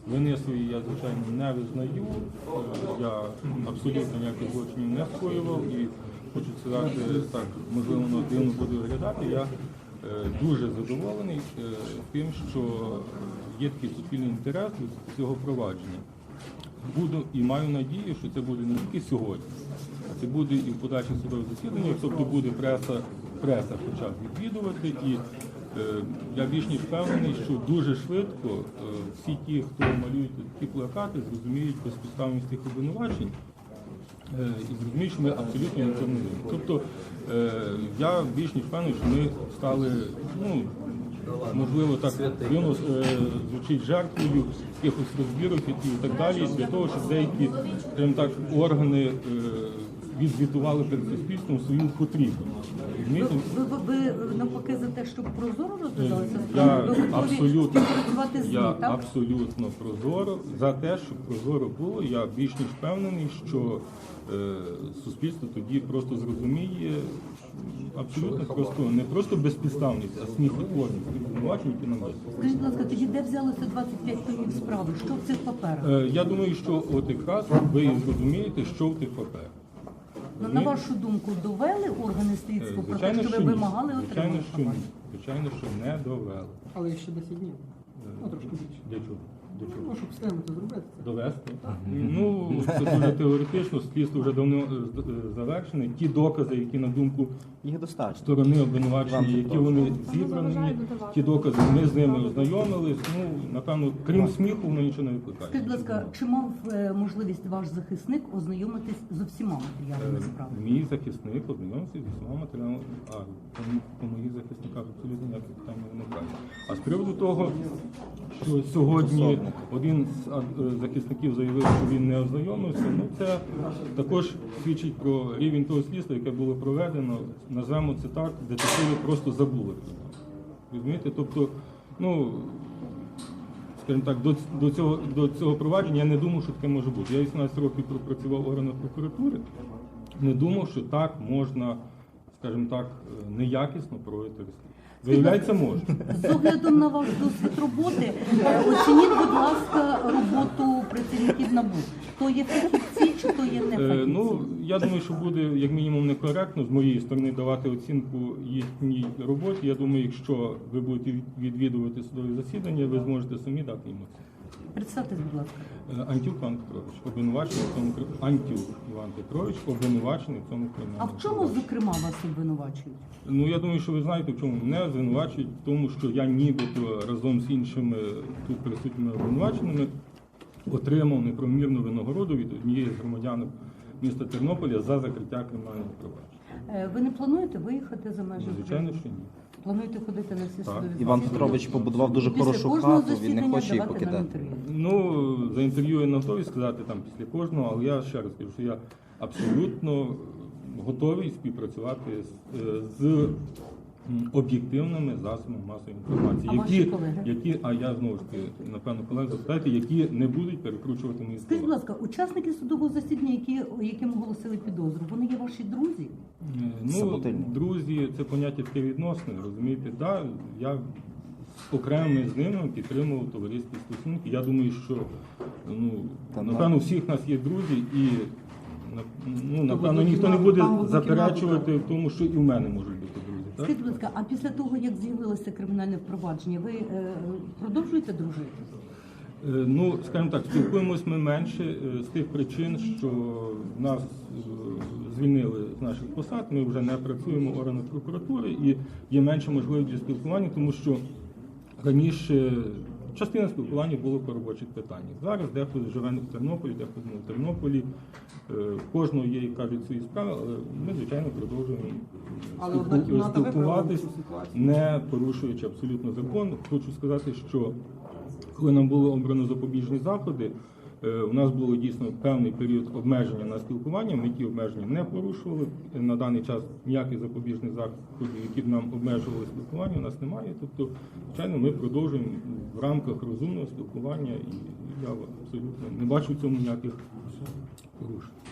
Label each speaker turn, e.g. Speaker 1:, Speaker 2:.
Speaker 1: Вини свої я, звичайно, не визнаю. Я абсолютно ніяких злочинів не скоював і хочу сказати, так, можливо, воно дивно буде виглядати. Я дуже задоволений тим, що є такий суспільний інтерес до цього провадження. Буду і маю надію, що це буде не тільки сьогодні, а це буде і в подальших судових засіданнях, тобто буде преса хоча б відвідувати. І я більш ніж впевнений, що дуже швидко всі ті, хто малюють такі плакати, зрозуміють безпідставність тих обвинувачень і зрозуміють, що ми абсолютно нічого не винні. Тобто я більш ніж впевнений, що ми стали, ну, можливо, так дивно звучить жертвою якихось розбірок і так далі, для того, щоб деякі, скажімо так, органи відзвітували перед суспільством свою потрібність.
Speaker 2: Ви навпаки за те, щоб прозоро розглядалися?
Speaker 1: Я абсолютно прозоро за те, щоб прозоро було. Я більш ніж впевнений, що суспільство тоді просто зрозуміє абсолютно просто, не просто безпідставність, а сміхотворність обвинувачень, які нам дають.
Speaker 2: Скажіть, будь ласка, тоді де взялося 25 томів справи? Що в цих паперах?
Speaker 1: Я думаю, що от якраз ви і зрозумієте, що в тих паперах.
Speaker 2: На вашу думку, довели органи слідства про те, що ви вимагали отримати папери?
Speaker 1: Звичайно, що не довели.
Speaker 3: Але ще 10 днів. Ну, трошки більше.
Speaker 1: Для чого?
Speaker 3: Ну, щоб встигнути зробити.
Speaker 1: Довести? Ну, це дуже теоретично, слідство вже давно завершене. Ті докази, які, на думку сторони обвинувачення, які вони зібрані, ті докази, ми з ними ознайомились. Ну, напевно, крім сміху, воно нічого не викликає.
Speaker 2: Скажіть, будь ласка, чи мав можливість ваш захисник ознайомитись з усіма матеріалами справи?
Speaker 1: Мій захисник ознайомився зі всіма матеріалами, по моїх захисниках абсолютно ніяких питань не виникає. А з приводу того, що сьогодні один з захисників заявив, що він не ознайомився, ну це також свідчить про рівень того слідства, яке було проведено, назвемо це так, детективи просто забули про нього. Розумієте? Тобто, ну, скажімо так, до цього провадження я не думав, що таке може бути. Я 18 років пропрацював в органах прокуратури, не думав, що так можна, скажімо так, неякісно проводити розслідування. Виявляється, можна.
Speaker 2: З оглядом на ваш досвід роботи, оцініть, будь ласка, роботу працівників НАБУ. То є фахівці чи то є не фахівці?
Speaker 1: Ну, я думаю, що буде, як мінімум, некоректно з моєї сторони давати оцінку їхній роботі. Я думаю, якщо ви будете відвідувати судові засідання, ви зможете самі дати їм оцінку.
Speaker 2: Представтесь, будь ласка.
Speaker 1: Антюк Іван Петрович, обвинувачений в цьому Антюк Іван Петрович, обвинувачений в цьому
Speaker 2: А
Speaker 1: кримінальному
Speaker 2: в чому,
Speaker 1: провадженні.
Speaker 2: зокрема, вас обвинувачують?
Speaker 1: Ну, я думаю, що ви знаєте, в чому мене звинувачують, в тому, що я нібито разом з іншими тут присутніми обвинуваченими отримав неправомірну винагороду від однієї з громадянок міста Тернополя за закриття кримінального провадження.
Speaker 2: Ви не плануєте виїхати за межі?
Speaker 1: Звичайно, що ні.
Speaker 2: Плануєте ходити на всі судові засідання?
Speaker 4: Іван Петрович побудував дуже
Speaker 2: Після
Speaker 4: хорошу
Speaker 2: кожного
Speaker 4: хату, він не
Speaker 2: засідання
Speaker 4: хоче її
Speaker 2: давати нам
Speaker 4: покидати.
Speaker 2: інтерв'ю.
Speaker 1: Ну, за інтерв'ю я не готовий сказати там після кожного, але я ще раз кажу, що я абсолютно готовий співпрацювати з об'єктивними засобами масової інформації,
Speaker 2: А ваші колеги?
Speaker 1: а я знову ж таки, напевно, колеги запитайте, які не будуть перекручувати мої
Speaker 2: Скажіть, будь
Speaker 1: слова.
Speaker 2: ласка, учасники судового засідання, яким оголосили підозру, вони є ваші друзі?
Speaker 1: Ну,
Speaker 4: Саботильні.
Speaker 1: друзі, це поняття таке відносне, розумієте? Да, я окремо з ними підтримував товариські стосунки. Я думаю, що напевно у всіх нас є друзі і напевно ніхто не буде заперечувати в тому, що і в мене можуть бути друзі. Так?
Speaker 2: Скажіть, будь ласка, а після того, як з'явилося кримінальне впровадження, ви продовжуєте дружити?
Speaker 1: Ну, скажімо так, спілкуємось ми менше з тих причин, що нас звільнили з наших посад, ми вже не працюємо в органах прокуратури і є менше можливості для спілкування, тому що раніше частина спілкування було по робочих питаннях. Зараз дехто живе в Тернополі, дехто не в Тернополі, в кожного є, як кажуть, свої справи, але ми, звичайно, продовжуємо спілкуватись, не порушуючи абсолютно закон. Хочу сказати, що коли нам було обрано запобіжні заходи, у нас було дійсно певний період обмеження на спілкування, ми ті обмеження не порушували. На даний час ніяких запобіжних заходів, які б нам обмежували спілкування, у нас немає. Тобто, звичайно, ми продовжуємо в рамках розумного спілкування і я абсолютно не бачу в цьому ніяких порушень.